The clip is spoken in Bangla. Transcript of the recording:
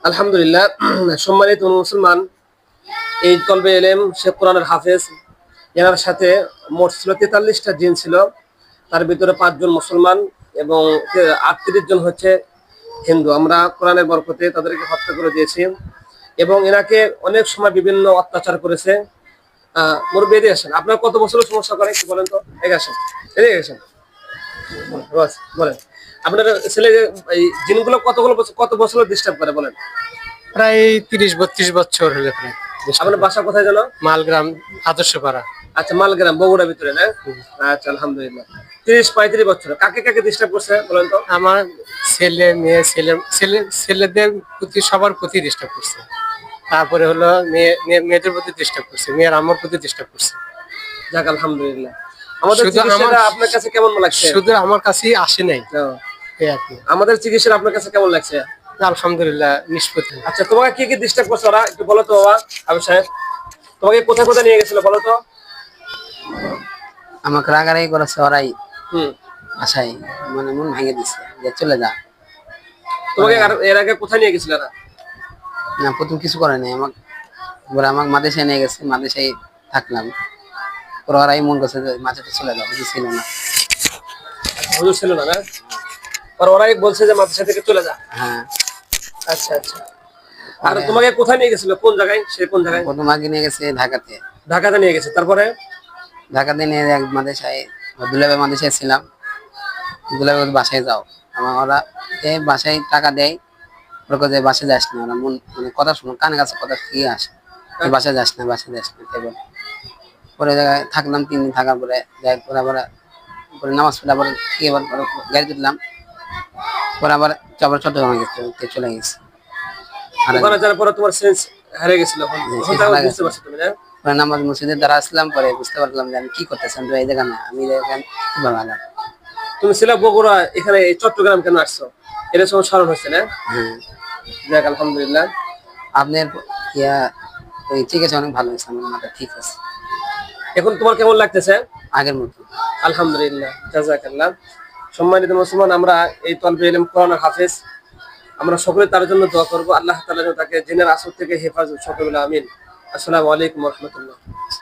আলহামদুলিল্লাহ। সম্মানিত মুসলমান, এই তলবে এলেম শেখ কোরআনের হাফেজ, এনার সাথে মোট ছিল 43টা জিন ছিল। তার ভিতরে 5 জন মুসলমান এবং 38 জন হচ্ছে হিন্দু। আমরা কোরআনের বরকতে তাদেরকে হত্যা করে দিয়েছি এবং এনাকে অনেক সময় বিভিন্ন অত্যাচার করেছে। মুরব্বি এদিকে আসেন, আপনার কত বছরের সমস্যা করে একটু বলেন তো। এদিকে আসেন, এদিকে আসেন, বাস বলেন। আপনার ছেলে এই জিনগুলো কত বছর ডিস্টার্ব করে বলেন। প্রায় 30-32 বছর হলে প্রায়। আপনার বাসা কোথায় জানো? মালগ্রাম, আদর্শপাড়া। আচ্ছা, মালগ্রাম, বগুড়ার ভিতরে না? আচ্ছা, আলহামদুলিল্লাহ। 30-35 বছর কাকে কাকে ডিস্টার্ব করছে বলেন তো। আমার ছেলে মেয়ে, ছেলেদের প্রতি, সবার প্রতি ডিস্টার্ব করছে। তারপরে হলো মেয়েদের প্রতি ডিস্টার্ব করছে, মেয়ের আমার প্রতি ডিস্টার্ব করছে। যাক আলহামদুলিল্লাহ। আমাদের শুধু চিকিৎসাটা আপনার কাছে কেমন লাগছে? শুধু আমার কাছেই আসে নাই, এই আর কি। আমাদের চিকিৎসাটা আপনার কাছে কেমন লাগছে? আলহামদুলিল্লাহ, নিষ্পত্তি। আচ্ছা, তোমাকে কি কি ডিস্টার্ব করছে ওরা একটু বলো তো বাবা। আবু সাহেব, তোমাকে কোথায় কোথায় নিয়ে গেছিল বলো তো। আমাকে রাগারাগি করেছে ওরাই, হুম। আশাই মানে মন ভেঙে দিছে যে চলে যা। তোমাকে এর আগে কোথায় নিয়ে গেছিল এরা? না, প্রথম কিছু করে নাই আমাকে, আমাকে মাদেশায় নিয়ে গেছে, মাদেশায় থাকলাম। পরে ওরাই মন করছে যে মাঝেটা চলে যাও, কিছু ছিল না। হুজুর ছিল না, না? আর ওরাই বলছে যে মাদ্রাসা থেকে চলে যা। হ্যাঁ। আচ্ছা আচ্ছা। আর তোমাকে কোথায় নিয়ে গেছিল, কোন জায়গায়, সে কোন জায়গায়? প্রথম আগে নিয়ে গেছে ঢাকাতে। ঢাকাতে নিয়ে গেছে, তারপরে? ঢাকাতে নিয়ে এক মাদেশায়, দুলাভাই মাদেশায় ছিলাম। দুলাভাই বাসায় যাও, আমার ওরা এই বাসায় টাকা দেয়, ওরা যে বাসায় যাস না। ওরা মন মানে কথা শুনো, কানে কাছে কথা ঠিক আসে, বাসায় যাস না, বাসায় যাস না, তাই বলে। পরে জায়গায় থাকলাম 3 দিন, থাকার পরে যাই পরে আবার পরে নামাজ পড়ে আবার কি আবার গাড়ি তুললাম। পরে আবার চট্টগ্রামে চলে গেছি। ওখানে যাওয়ার পরে তোমার সেন্স হারিয়ে গেছিল, বুঝতে পারছো তুমি না? পরে নামাজ মসজিদে দ্বারা আসলাম, পরে বুঝতে পারলাম যে আমি কি করতেছি, আমি এই জায়গা না, আমি এই জায়গায় কিভাবে আলাম। তুমি ছিল বগুড়া, এখানে এই চট্টগ্রাম কেন আসছো? এটা সময় স্মরণ হচ্ছে না? হ্যাঁ। যাক আলহামদুলিল্লাহ। আপনার ইয়া ওই চিকিৎসা অনেক ভালো হয়েছে, আমার মাথা ঠিক আছে এখন তোমার কেমন লাগতেছে? আগের মতো। আলহামদুলিল্লাহ, জাযাকাল্লাহ। সম্মানিত মুসলমান, আমরা এই তলবে ইলম কোরআনের হাফেজ, আমরা সকলে তার জন্য দোয়া করবো। আল্লাহ তাআলা যেন তাকে জিনের আসর থেকে হেফাজত, সকলে আমিন। আসসালামু আলাইকুম ওয়া রাহমাতুল্লাহ।